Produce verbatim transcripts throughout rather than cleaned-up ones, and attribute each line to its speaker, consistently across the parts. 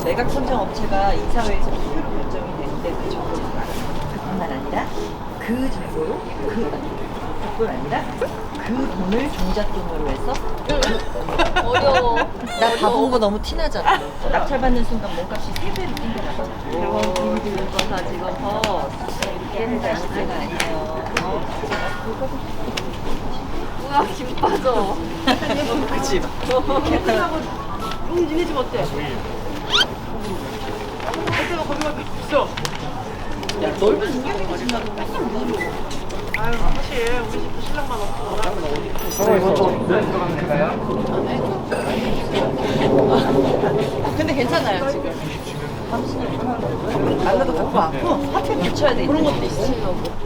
Speaker 1: 매각 선정 업체가 이사회에서 투표로 결정이 되는데 그 정보를 알아요. 그뿐만 아니라 그 정보로 그 그뿐 아니라 그 돈을 종잣돈으로 해서
Speaker 2: 어려워.
Speaker 1: 나 가본 거 너무 티나잖아. 낙찰받는 순간 몸값이 세 배로 뛴다고.
Speaker 2: 대박 김기술과사 직원 버스.
Speaker 1: 이렇게 자식제가 아니에요.
Speaker 2: 우와 김 빠져.
Speaker 1: 그치?
Speaker 3: 캠핑하고 응 니네 집 어때? 그때가 거기가 있어.
Speaker 1: 야, 넓은 인형이 집나도 맨날 물어.
Speaker 3: 아유 사실 우리 집도 신랑만 없고
Speaker 2: 근데 괜찮아요 지금.
Speaker 1: 안나도 갖고 왔고 하필 붙여야 돼. 그런 것도 있어.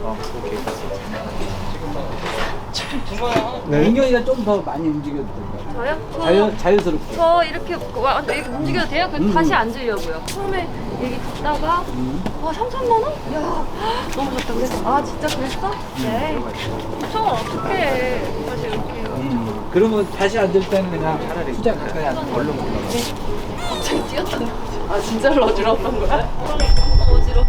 Speaker 4: 네. 민경이가 좀 더 많이 움직여도 될것 같아요.
Speaker 2: 저요?
Speaker 4: 자연, 자연스럽게.
Speaker 2: 저 이렇게 와, 이렇게 움직여도 돼요? 그럼
Speaker 4: 음.
Speaker 2: 다시 앉으려고요. 처음에 얘기 듣다가
Speaker 4: 음.
Speaker 2: 와 삼천만 원? 야 너무 좋다 그래서 아 진짜 그랬어? 네. 저 어떡해. 다시 이렇게
Speaker 4: 음. 그러면 다시 앉을 때는 그냥 투자 가까이 앉고 얼른 올라가.
Speaker 2: 갑자기 뛰었다. 아 진짜로 어지러웠던 거야? 어지러.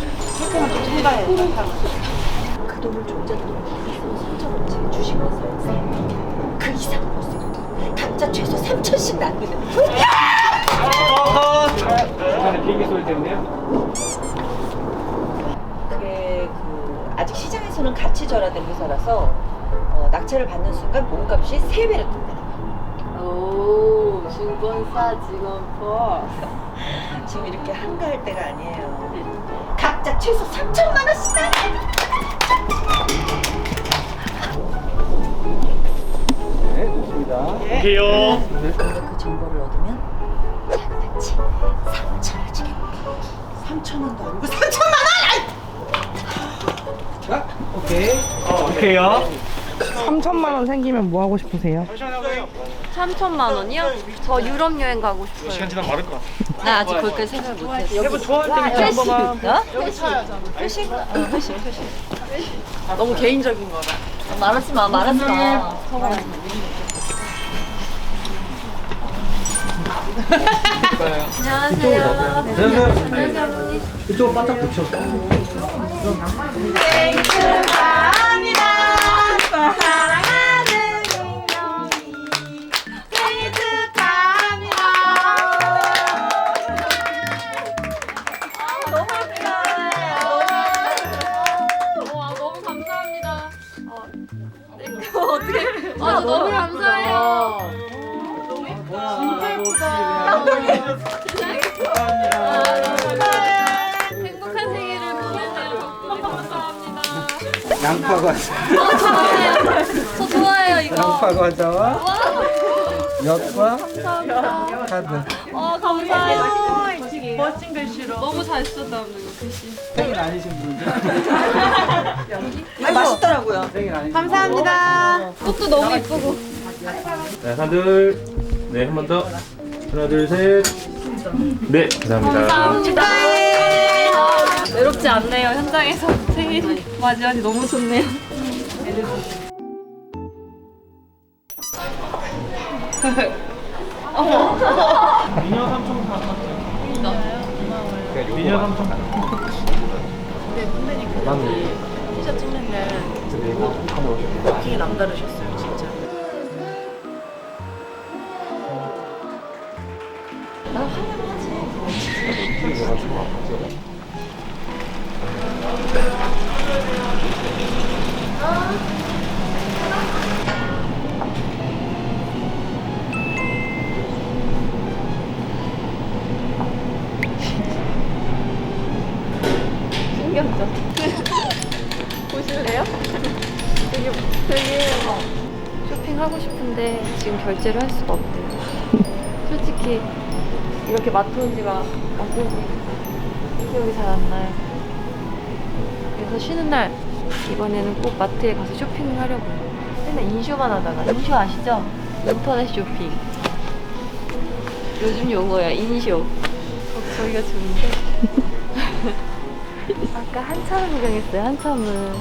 Speaker 1: 그 돈을 종잣돈으로 해서 선정 업체에 주식을 그 이상 못 쓰고 각자 최소 삼천씩 남기는.
Speaker 4: 중간에 비행기 소리 때문에요?
Speaker 1: 그게 그 아직 시장에서는 가치 절하된 회사라서 어, 낙찰을 받는 순간 몸값이 세 배로 뜬다.
Speaker 2: 오 증권사 직원 버스.
Speaker 1: 지금 이렇게 한가할 때가 아니에요. 각자 최소 삼천만 원씩 나.
Speaker 4: 네, 좋습니다.
Speaker 5: 오케이요.
Speaker 1: 우리가 그 정보를 얻으면 자그마치 삼천을 주겠다. 삼천 원도 아니고 삼천만 원!
Speaker 4: 자, 오케이.
Speaker 5: 오케이요.
Speaker 3: 삼천만 원 생기면 뭐 하고 싶으세요?
Speaker 2: 삼천만 원이요? 저 유럽 여행 가고 싶어요.
Speaker 5: 시간 지나면 마를 것 같아.
Speaker 1: 나 아직 거기까지 생각 못했어.
Speaker 3: 여러분 좋아할 때
Speaker 1: 회식!
Speaker 3: 한번만
Speaker 1: 어? 회식? 어, 회식, 회식.
Speaker 3: 너무 개인적인 거라.
Speaker 1: 말하지 마, 말하지 마.
Speaker 2: 안녕하세요.
Speaker 4: 안녕하세요.
Speaker 2: 어머니.
Speaker 4: 이쪽으로 바짝 붙여.
Speaker 1: 생일 축하합니다. 사랑하는 민경이 생일 축하합니다. 아, 너무 감사해요.
Speaker 2: 와 너무 감사합니다. 어, 네, 어떻게? 아 너무 감사해요.
Speaker 4: 진짜
Speaker 2: 예쁘다. 행복한 생일을 보내세요. 덕분에 감사합니다.
Speaker 4: 양파 과자.
Speaker 2: 어, 좋아해요. 저 좋아해요 이거.
Speaker 4: 양파 과자와
Speaker 2: 와,
Speaker 4: 엿과
Speaker 2: 감사합니다.
Speaker 4: 카드.
Speaker 2: 어 감사해요.
Speaker 3: 멋진 글씨로.
Speaker 2: 너무 잘 쓰다 오늘 글씨.
Speaker 4: 생일 아니신 분들.
Speaker 1: 아, 맛있더라고요.
Speaker 4: 생일 아니신
Speaker 3: 감사합니다.
Speaker 2: 꽃도 너무 예쁘고.
Speaker 5: 네, 하나, 둘. 네, 한 번 더. 하나, 둘, 셋. 네, 감사합니다.
Speaker 2: 감사합니다. 외롭지 않네요. 현장에서 생일 맞이하니 너무 좋네요.
Speaker 5: 미녀 삼촌 미녀 삼촌
Speaker 3: 근데 선배님 그 티셔츠 찍는 날 되게 남다르셨어요 진짜.
Speaker 1: 나 환영하지.
Speaker 2: 신기하죠? 보실래요? 되게 되게 쇼핑하고 싶은데 지금 결제를 할 수가 없대요. 솔직히 이렇게 마트 온 지가 언제지 기억이 잘 안 나요. 그래서 쉬는 날 이번에는 꼭 마트에 가서 쇼핑을 하려고요. 맨날 인쇼만 하다가 인쇼 아시죠? 인터넷 쇼핑. 요즘 용어야 인쇼. 어, 저희가 좋은데. 아까 한참을 구경했어요. 한참은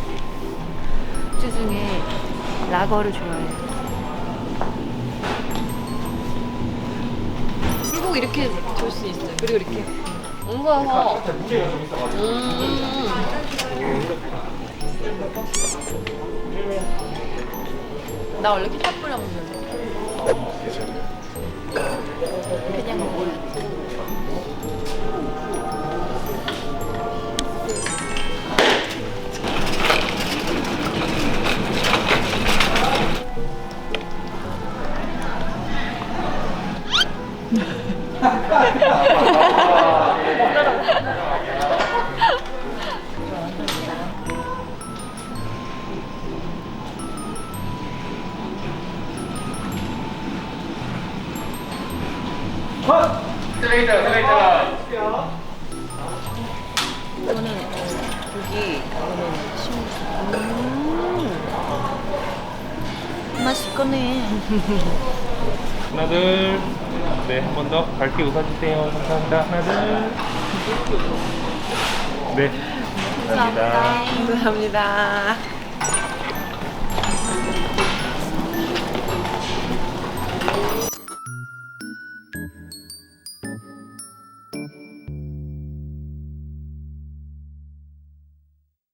Speaker 2: 주 중에 라거를 좋아해요. 쭉 이렇게 돌 수 있어요. 그리고 이렇게 엉겨서 음. 나 원래 케첩 뿌려 먹는데 그냥 먹어요.
Speaker 1: 이거는 고기, 이거는 식물. 음. 맛있겠네.
Speaker 5: 하나 둘. 네, 한 번 더 밝게 웃어주세요. 감사합니다. 하나 둘. 네. 감사합니다.
Speaker 2: 감사합니다.